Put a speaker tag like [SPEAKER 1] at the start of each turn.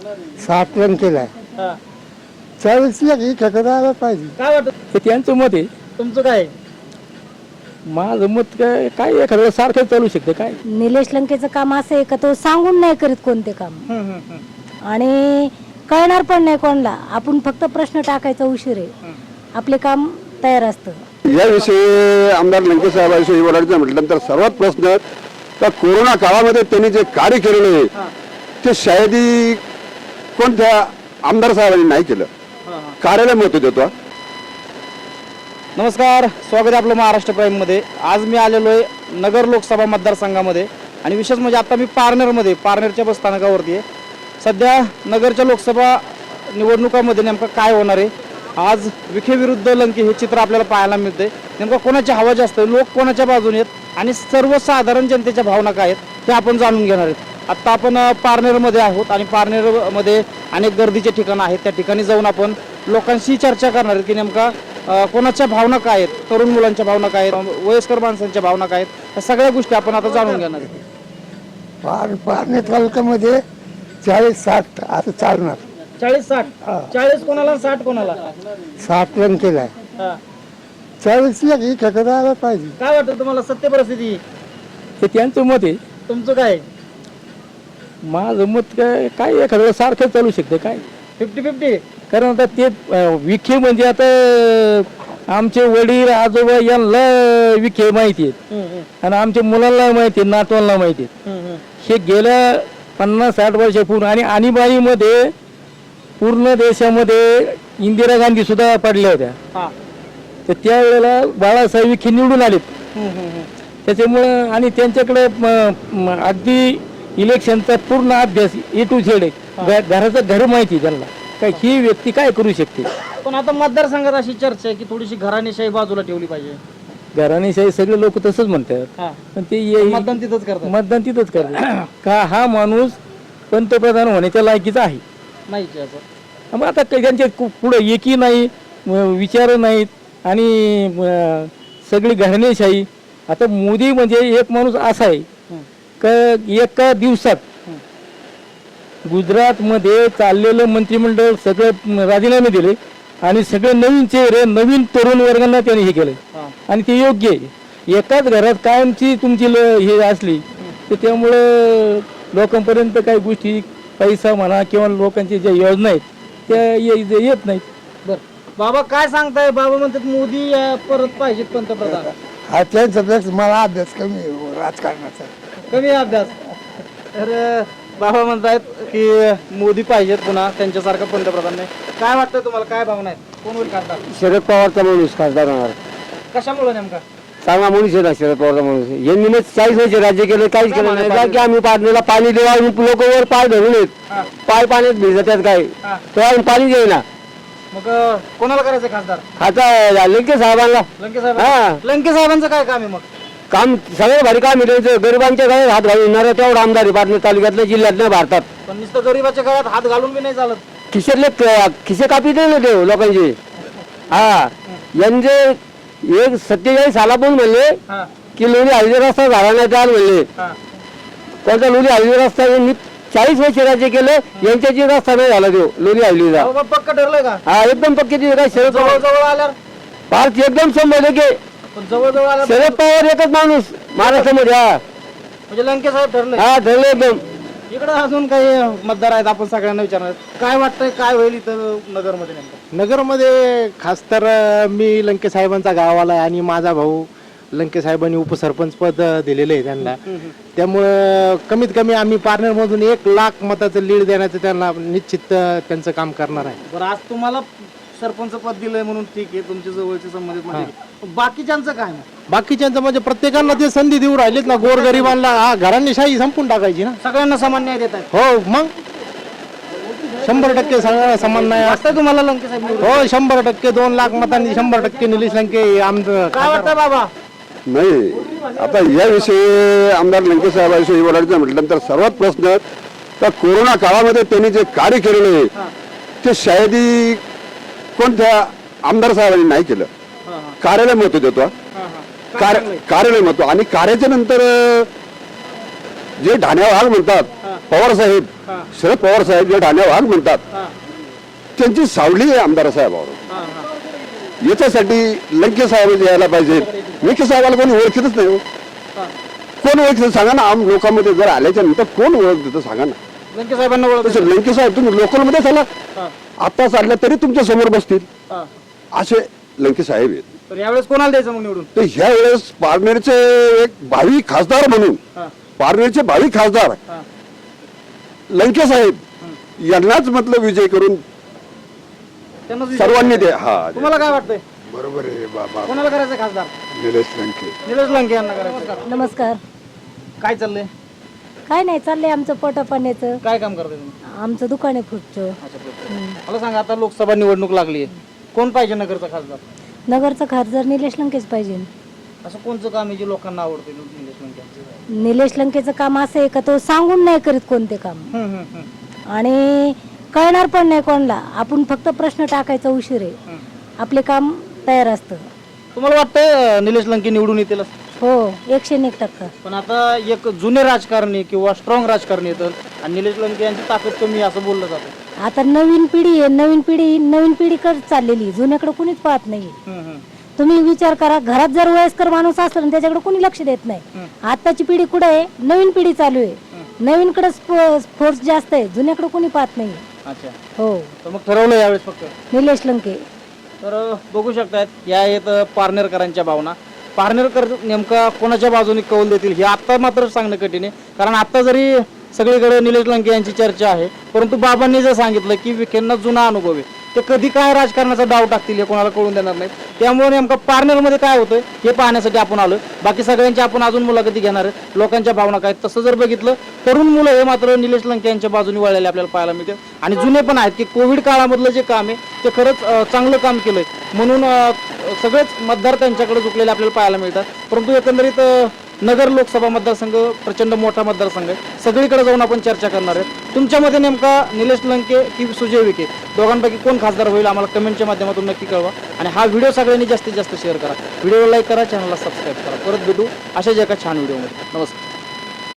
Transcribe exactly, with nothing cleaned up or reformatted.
[SPEAKER 1] साठ रन केलाय.
[SPEAKER 2] हा.
[SPEAKER 1] चाळीस लाख ही ठेकेदाराला पाहिजे.
[SPEAKER 2] काय वाटत
[SPEAKER 3] हे त्यांचं मत आहे.
[SPEAKER 2] तुमचं काय आहे?
[SPEAKER 3] माझं मत काय काय एखादं सारखं चालू शकते काय.
[SPEAKER 4] निलेश लंकेचं काम असं आहे का तो सांगून नाही करीत कोणते काम,
[SPEAKER 2] हम्म, हम्म, हम्म.
[SPEAKER 4] आणि कळणार पण नाही कोणाला. आपण फक्त प्रश्न टाकायचा उशीर आहे, आपले काम तयार असतं.
[SPEAKER 5] याविषयी आमदार लंके साहेबांविषयी बोलायचं म्हटलं तर सर्वात प्रश्न तर कोरोना काळामध्ये त्यांनी जे कार्य केलेलं आहे ते शायदी कोणत्या आमदार साहेबांनी नाही केलं. कार्याला महत्व देतो.
[SPEAKER 2] नमस्कार, स्वागत आहे आपलं महाराष्ट्र प्राईममध्ये. आज मी आलेलो आहे नगर लोकसभा मतदारसंघामध्ये आणि विशेष म्हणजे आता मी पारनेरमध्ये पारनेरच्या बस स्थानकावरती आहे. सध्या नगरच्या लोकसभा निवडणुकामध्ये नेमकं काय होणार आहे, आज विखे विरुद्ध लंके हे चित्र आपल्याला पाहायला मिळते. नेमकं कोणाची हवा जास्त आहे, लोक कोणाच्या बाजूने आहेत आणि सर्वसाधारण जनतेच्या भावना काय आहेत ते आपण जाणून घेणार आहेत. आत्ता आपण पारनेरमध्ये आहोत आणि पारनेरमध्ये अनेक गर्दीचे ठिकाणं आहेत. त्या ठिकाणी जाऊन आपण लोकांशी चर्चा करणार आहेत की नेमका कोणाच्या भावना काय आहेत, तरुण मुलांच्या भावना काय आहेत, वयस्कर माणसांच्या भावना काय आहेत, या सगळ्या गोष्टी आपण आता जाणून घेणार आहेत.
[SPEAKER 1] पार पारनेर तालुक्यामध्ये चाळीस साठ असं चालणार.
[SPEAKER 2] चाळीस साठ चाळीस कोणाला साठ कोणाला?
[SPEAKER 1] साठ रन केलाय.
[SPEAKER 2] हा.
[SPEAKER 1] चाळीस लाख ही ठेकेदाराला पाहिजे.
[SPEAKER 2] काय वाटतं तुम्हाला सत्य परिस्थिती?
[SPEAKER 3] हे त्यांचं मत आहे.
[SPEAKER 2] तुमचं काय आहे?
[SPEAKER 3] माझं मत काय काय एखादं सारखं चालू शकते काय.
[SPEAKER 2] Fifty fifty.
[SPEAKER 3] कारण आता ते अं, विखे म्हणजे आता आमचे वडील आजोबा यांना विखे माहिती आहेत आणि आमच्या मुलांना माहिती आहेत, नातवांना माहिती आहेत. हे गेल्या पन्नास साठ वर्षापूर्वी आणि आणीबाणीमध्ये पूर्ण देशामध्ये इंदिरा गांधी सुद्धा पडल्या होत्या.
[SPEAKER 2] हा.
[SPEAKER 3] तर त्यावेळेला बाळासाहेब विखे निवडून आलेत. त्याच्यामुळं आणि त्यांच्याकडे म- म- अगदी इलेक्शनचा पूर्ण अभ्यास ए टू झेड आहे. घराचं घर माहिती आहे त्यांना. काय ही व्यक्ती काय करू शकते.
[SPEAKER 2] पण आता मतदारसंघात अशी चर्चा आहे की थोडीशी घराणेशाही बाजूला ठेवली पाहिजे.
[SPEAKER 3] घराणेशाही सगळे लोक तसंच म्हणतात.
[SPEAKER 2] हा.
[SPEAKER 3] पण ते ये-
[SPEAKER 2] मतदान तिथंच करतात.
[SPEAKER 3] मतदान तिथंच करतात. का हा माणूस पंतप्रधान होण्याच्या लायकीचा आहे.
[SPEAKER 2] नाही असं.
[SPEAKER 3] मग आता काही त्यांचे कु- पुढं एकी नाही, म- विचार नाहीत आणि म, सगळी घराणेशाही. आता मोदी म्हणजे एक माणूस असा आहे का एका दिवसात गुजरातमध्ये चाललेलं मंत्रिमंडळ सगळं राजीनामे दिले आणि सगळे नवीन चेहरे नवीन तरुण वर्गांना त्यांनी हे केले आणि ते योग्य आहे. एकाच घरात कायमची तुमची ल हे असली तर त्यामुळं लोकांपर्यंत काही गोष्टी पैसा म्हणा किंवा लोकांच्या ज्या योजना आहेत त्या ये- येत नाहीत.
[SPEAKER 2] बर बाबा काय सांगताय? बाबा म्हणतात मोदी अं, परत पाहिजेत पंतप्रधान.
[SPEAKER 1] हा त्यांचा पेक्षा मला अभ्यास कमी आहे राजकारणाचा.
[SPEAKER 2] कमी अभ्यास. तर अं, बाबा म्हणतायत की मोदी पाहिजेत पुन्हा त्यांच्यासारखं पंतप्रधान नाही. काय वाटतं तुम्हाला, काय भावना आहेत? कोण होईल खासदार?
[SPEAKER 5] शरद पवारचा माणूस खासदार होणार.
[SPEAKER 2] कशामुळे नेमका?
[SPEAKER 5] चांगला माणूस आहे ना शरद पवारचा माणूस. यांनी चाळीस वर्ष राज्य केलं, काहीच केलं नाही. का की आम्ही पाण्याला पाणी देऊ आणि लोक वर पाय धरून येत पाय पाण्यात भिजतात काय
[SPEAKER 2] हा.
[SPEAKER 5] तो आम्ही पाणी देईना.
[SPEAKER 2] मग अं, कोणाला करायचं खासदार?
[SPEAKER 5] आता लंके साहेबांना
[SPEAKER 2] लंके साहेब.
[SPEAKER 5] हा.
[SPEAKER 2] लंके साहेबांचं काय काम आहे मग?
[SPEAKER 5] काम सगळं भारी काम आहे. गरिबांच्या गळ्यात हात घालून येणार तेवढा आमदार आहे पारनेर तालुक्यातल्या जिल्ह्यातल्या भारतात.
[SPEAKER 2] पण नुसतं गरीबाच्या गळ्यात हात घालून बी नाही चालत.
[SPEAKER 5] खिशातले क- खिसे कापी दे ना देव लोकांचे. हा यांचे एक सत्तेचाळीस सालापून म्हणले
[SPEAKER 2] हा.
[SPEAKER 5] की लोणी हळदी रस्ता झाला नाही त्याला म्हणले.
[SPEAKER 2] हा.
[SPEAKER 5] कोणता लोणी हळदी रस्ता यांनी चाळीस वर्ष राज्य केलं, यांच्याची रस्ता नाही झाला देव लोणी हळदीचा.
[SPEAKER 2] अहो, मग पक्क ठरलंय का?
[SPEAKER 5] हा एकदम पक्की ती काय शरद
[SPEAKER 2] जवळ
[SPEAKER 5] पवार
[SPEAKER 2] जवळ आल्यावर
[SPEAKER 5] भारत एकदम शंभर टक्के
[SPEAKER 2] पण जवळ जवळ आल्यावर
[SPEAKER 5] शरद पवार एकच माणूस महाराष्ट्रामध्ये. हा
[SPEAKER 2] म्हणजे लंके साहेब ठरले.
[SPEAKER 5] हा ठरलं एकदम.
[SPEAKER 2] इकडे अजून काही मतदार आहेत, आपण सगळ्यांना विचारणार आहेत. काय वाटतंय काय होईल इथं नगरमध्ये नेमकं?
[SPEAKER 6] नगरमध्ये खास तर अ, मी लंके साहेबांचा गावाला आहे आणि माझा भाऊ लंके साहेबांनी उपसरपंच पद दिलेलं आहे त्यांना. त्यामुळं कमीत कमी आम्ही पार्टनरमधून एक लाख मताचं लीड देण्याचं त्यांना निश्चित अ, त्यांचं काम करणार आहे.
[SPEAKER 2] बरं, आज तुम्हाला सरपंच पद दिलंय म्हणून ठीक आहे, तुमच्या जवळचे संबंधित म्हणजे बाकीच्यांचं काय मग?
[SPEAKER 6] बाकीच्यांचं म्हणजे प्रत्येकाला ते संधी देऊ राहिलेत ना. गोरगरिबांना हा घरांनी शाही संपून टाकायची ना.
[SPEAKER 2] सगळ्यांना समान न्याय देत आहेत.
[SPEAKER 6] हो मग शंभर टक्के सगळ्यांना समान नाही.
[SPEAKER 2] वाटतंय तुम्हाला लंके साहेब निवडून?
[SPEAKER 6] हो शंभर टक्के दोन लाख मतांनी शंभर टक्के निलेश लंके आमचं
[SPEAKER 2] काय वाटतंय बाबा?
[SPEAKER 5] नाही आता याविषयी आमदार लंके साहेबांविषयी बोलायचं म्हटलं तर सर्वात प्रश्न तर कोरोना काळामध्ये त्यांनी जे कार्य केलेलं आहे ते शायदी कोणत्या आमदार साहेबांनी नाही केलं. कार्याला महत्व देतो. कार्य कार्याला महत्व आणि कार्याच्या नंतर जे ढाण्या वाघ म्हणतात पवार साहेब
[SPEAKER 2] हा.
[SPEAKER 5] शरद पवार साहेब जे ठाण्या वाघ म्हणतात
[SPEAKER 2] हा,
[SPEAKER 5] त्यांची सावली आहे आमदार साहेबावर.
[SPEAKER 2] हा, हा.
[SPEAKER 5] याच्यासाठी लंके साहेब यायला पाहिजे. लंके साहेबाला कोणी ओळखीतच नाही हो.
[SPEAKER 2] हा.
[SPEAKER 5] कोण ओळखतं सांगा ना. आम लोकांमध्ये जर आल्याच्या नंतर कोण ओळख देतं सांगा ना.
[SPEAKER 2] लंके साहेबांना ओळख
[SPEAKER 5] तसं लंके साहेब तुम्ही लोकलमध्ये चला,
[SPEAKER 2] हा,
[SPEAKER 5] आता चालल्या तरी तुमच्या समोर बसतील
[SPEAKER 2] हा.
[SPEAKER 5] असे लंके साहेब आहेत.
[SPEAKER 2] तर यावेळेस कोणाला द्यायचं मग निवडून?
[SPEAKER 5] तर ह्या वेळेस पारनेरचे एक भावी खासदार म्हणून
[SPEAKER 2] हा,
[SPEAKER 5] पारनेरचे भावी खासदार
[SPEAKER 2] हा.
[SPEAKER 5] लंके साहेब यांनाच म्हटलं विजय करून
[SPEAKER 2] त्यांनाच विचार-
[SPEAKER 5] सर्वांनी दे. हा
[SPEAKER 2] तुम्हाला काय वाटतंय
[SPEAKER 1] बरोबर आहे बाबा
[SPEAKER 2] कोणाला करायचं खासदार?
[SPEAKER 1] निलेश लंके.
[SPEAKER 2] निलेश लंके यांना करायचं.
[SPEAKER 4] नमस्कार.
[SPEAKER 2] काय चाललंय?
[SPEAKER 4] काय नाही चाललंय आमचं पोटापाण्याचं.
[SPEAKER 2] काय काम करताय तुम्ही?
[SPEAKER 4] आमचं दुकान आहे फ्रूटचं.
[SPEAKER 2] अच्छा, बरं. मला सांगा, आता लोकसभा निवडणूक लागली आहे, कोण पाहिजे नगरचा खासदार?
[SPEAKER 4] नगरचं खासदार निलेश लंकेच पाहिजे.
[SPEAKER 2] असं कोणचं काम आहे जे लोकांना आवडते निलेश लंके?
[SPEAKER 4] निलेश लंकेचं काम असं आहे का तो सांगून नाही करीत कोणते काम,
[SPEAKER 2] हम्म, हम्म, हम्म.
[SPEAKER 4] आणि कळणार पण नाही कोणाला. आपण फक्त प्रश्न टाकायचा उशीर आहे, आपले काम तयार असतं.
[SPEAKER 2] तुम्हाला वाटतंय अं, निलेश लंके निवडून येतील असं?
[SPEAKER 4] हो, एकशे एक टक्का.
[SPEAKER 2] पण आता एक जुने राजकारणी किंवा स्ट्रॉंग राजकारणी येतात आणि निलेश लंके यांची ताकद कमी असं बोललं जातं.
[SPEAKER 4] आता नवीन पिढी आहे, नवीन पिढी नवीन पिढीकडे चाललेली, जुन्याकडे कुणीच पाहत नाही.
[SPEAKER 2] हम्म, हम्म.
[SPEAKER 4] तुम्ही विचार करा, घरात जर वयस्कर माणूस असला ना त्याच्याकडे कुणी लक्ष देत नाही. आताची पिढी कुठे आहे? नवीन पिढी चालू आहे, नवीनकडे फोर्स जास्त आहे, जुन्याकडे कुणी पाहत नाही.
[SPEAKER 2] अच्छा,
[SPEAKER 4] हो,
[SPEAKER 2] तर मग ठरवलं यावेळेस फक्त.
[SPEAKER 4] निलेश लंके.
[SPEAKER 2] तर बघू शकतायत या आहेत पारनेरकरांच्या भावना. पारनेरकर नेमका कोणाच्या बाजूने कौल देतील हे आत्ता मात्र सांगणं कठीण आहे. कारण आता जरी सगळीकडे निलेश लंके यांची चर्चा आहे, परंतु बाबांनी जर सांगितलं की विखेंना जुना अनुभव आहे, ते कधी काय राजकारणाचा डाव टाकतील हे कोणाला कळून देणार नाही. त्यामुळे नेमकं पारनेरमध्ये काय होतं हे पाहण्यासाठी आपण आलो. बाकी सगळ्यांची आपण अजून मुलाखती घेणार आहे, लोकांच्या भावना काय. तसं जर बघितलं, तरुण मुलं हे मात्र निलेश लंके यांच्या बाजूने वळलेले आपल्याला पाहायला मिळते. आणि जुने पण आहेत की कोविड काळामधलं जे काम आहे ते खरंच अं, चांगलं काम केलंय म्हणून अं, सगळेच मतदार त्यांच्याकडे झुकलेले आपल्याला पाहायला मिळतात. परंतु एकंदरीत अं, नगर लोकसभा मतदारसंघ प्रचंड मोठा मतदारसंघ आहे, सगळीकडे जाऊन आपण चर्चा करणार आहे. तुमच्यामध्ये नेमका निलेश लंके की सुजय विखे दोघांपैकी कोण खासदार होईल आम्हाला कमेंटच्या माध्यमातून नक्की कळवा. आणि हा व्हिडिओ सगळ्यांनी जास्तीत जास्त शेअर करा, व्हिडिओला लाईक करा, चॅनलला सबस्क्राईब करा. परत भेटू अशाच एका छान व्हिडिओमध्ये. नमस्कार.